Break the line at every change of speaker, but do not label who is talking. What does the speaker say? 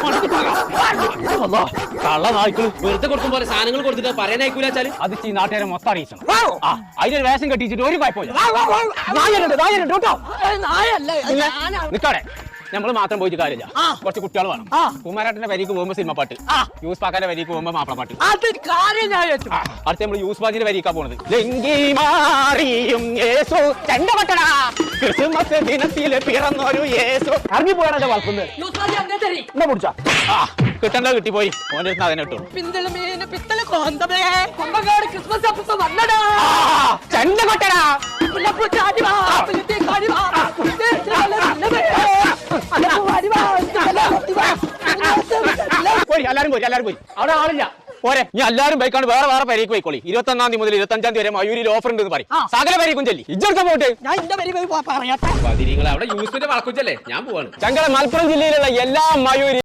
കള്ള നായ്ക്കള്
വെറുതെ കൊടുക്കും പോലെ സാധനങ്ങൾ കൊടുത്തിട്ട് പറയാനായിക്കൂല വെച്ചാല്
അത് ഈ നാട്ടുകാരെ മൊത്തം അറിയിക്കണം. അതിനൊരു വേഷം കെട്ടിച്ചിട്ട് ഒരു കുഴപ്പമില്ല. നിക്കാടെ നമ്മള് മാത്രം പോയിട്ട് കാര്യമില്ല. കുറച്ച് കുട്ടികൾ വേണം. കുമാരേട്ടന്റെ വരിക്ക് പോകുമ്പോ സിനിമ പാട്ട്, യൂസ് പാക്കാന്റെ വരിക്ക് പോകുമ്പോ മാപ്പിള പാട്ട്. അടുത്ത നമ്മള് യൂസ് പാജിന്റെ വരിക്കാ പോണത്. ക്രിസ്മസ് ദിനത്തില് പിറന്നൊരു യേശു. ഇറങ്ങി പോയാണോ വളർത്തുന്നത്? കിട്ടണ്ട കിട്ടിപ്പോയി. ഓൻ്റെ അടുത്ത് അതിനെ ഇട്ടു. ചെണ്ട കൊട്ടടാ. എല്ലാരും പോയി. അവിടെ ആളില്ല. പോരെ, ഞാൻ എല്ലാരും ബൈക്കാണ് വേറെ വേറെ പരിക്ക് പോയിക്കോളി. 21-ാം തീയതി മുതൽ 25-ാം തീയതി വരെ മയൂരിൽ ഓഫർ ഉണ്ടെന്ന് പറയും. സകല പരിക്കും ചെല്ലി ഇജ്ജെടുത്ത പോട്ടെ.
അവിടെ യൂസിന്റെ വളക്കുച്ചല്ലേ, ഞാൻ പോവാണ്.
ചങ്കര മലപ്പുറം ജില്ലയിലുള്ള എല്ലാ മയൂരി